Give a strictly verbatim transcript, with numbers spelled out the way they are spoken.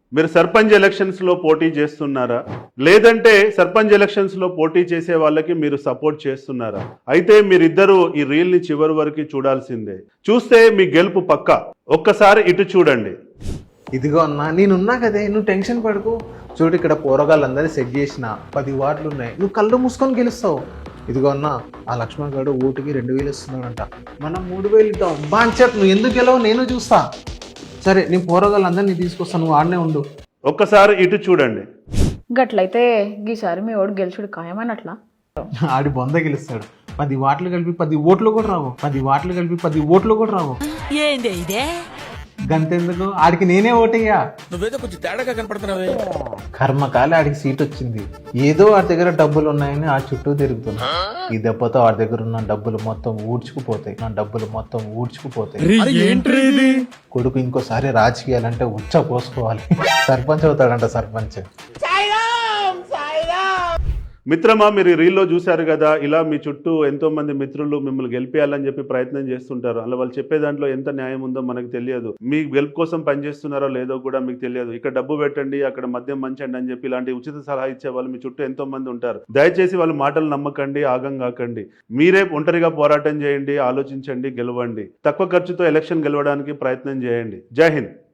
మీరు సర్పంచ్ ఎలక్షన్స్ లో పోటీ చేస్తున్నారా, లేదంటే సర్పంచ్ ఎలక్షన్స్ లో పోటీ చేసే వాళ్ళకి మీరు సపోర్ట్ చేస్తున్నారా? అయితే మీరిద్దరూ ఈ రీల్ ని చివరి వరకు చూడాల్సిందే. చూస్తే మీ గెలుపు పక్కా. ఒక్కసారి ఇటు చూడండి. ఇదిగో అన్నా నేనున్నా కదే, నువ్వు టెన్షన్ పడుకో. చూడు ఇక్కడ పోరగాళ్ళందరినీ సెట్ చేసిన పది వార్డులు ఉన్నాయి, నువ్వు కళ్ళు మూసుకొని గెలుస్తావు. ఇదిగో అన్న, ఆ లక్ష్మణ్ గారు ఓటుకి రెండు వేలు ఇస్తున్నాడంట, మనం మూడు వేలు ఇద్దాం. బాంచట్ నువ్వు ఎందుకు గెలవు నేను చూస్తా. సరే నేను పోరగాళ్ళందరినీ తీసుకొస్తాను, నువ్వు ఆడనే ఉండు. ఒక్కసారి ఇటు చూడండి. గట్లయితే ఈసారి మీ ఓటు గెలుచుడు ఖాయమన్నట్లా? ఆడి బొంద గెలుస్తాడు. పది వాట్లు కలిపి పది ఓట్లు కూడా రావు, పది వాట్లు కలిపి పది ఓట్లు కూడా రావు. ఏంది ఇదే? గంతెందుకు, ఆడికి నేనే ఓటయ్యా. నువ్వేదో కొంచెం తేడాగా కనపడుతున్నావే. కర్మకాలి ఆడికి సీట్ వచ్చింది. ఏదో వాడి దగ్గర డబ్బులు ఉన్నాయని ఆ చుట్టూ తిరుగుతున్నా. ఈ దెబ్బతో వాడి దగ్గర ఉన్న డబ్బులు మొత్తం ఊడ్చుకుపోతాయి, నా డబ్బులు మొత్తం ఊడ్చుకుపోతాయి. కొడుకు ఇంకోసారి రాజకీయాలంటే ఉచ్చ పోసుకోవాలి. సర్పంచ్ అవుతాడంట, సర్పంచ్. మిత్రమా, మీరు ఈ రీల్లో చూశారు కదా, ఇలా మీ చుట్టూ ఎంతో మంది మిత్రులు మిమ్మల్ని గెలిపేయాలని చెప్పి ప్రయత్నం చేస్తుంటారు. అలా వాళ్ళు చెప్పే దాంట్లో ఎంత న్యాయం ఉందో మనకు తెలియదు. మీ గెలుపు కోసం పనిచేస్తున్నారో లేదో కూడా మీకు తెలియదు. ఇక్కడ డబ్బు పెట్టండి, అక్కడ మద్యం మంచండి అని చెప్పి ఇలాంటి ఉచిత సలహా ఇచ్చే వాళ్ళు మీ చుట్టూ ఎంతో మంది ఉంటారు. దయచేసి వాళ్ళ మాటలు నమ్మకండి, ఆగం కాకండి. మీరే ఒంటరిగా పోరాటం చేయండి, ఆలోచించండి, గెలవండి. తక్కువ ఖర్చుతో ఎలక్షన్ గెలవడానికి ప్రయత్నం చేయండి. జై హింద్.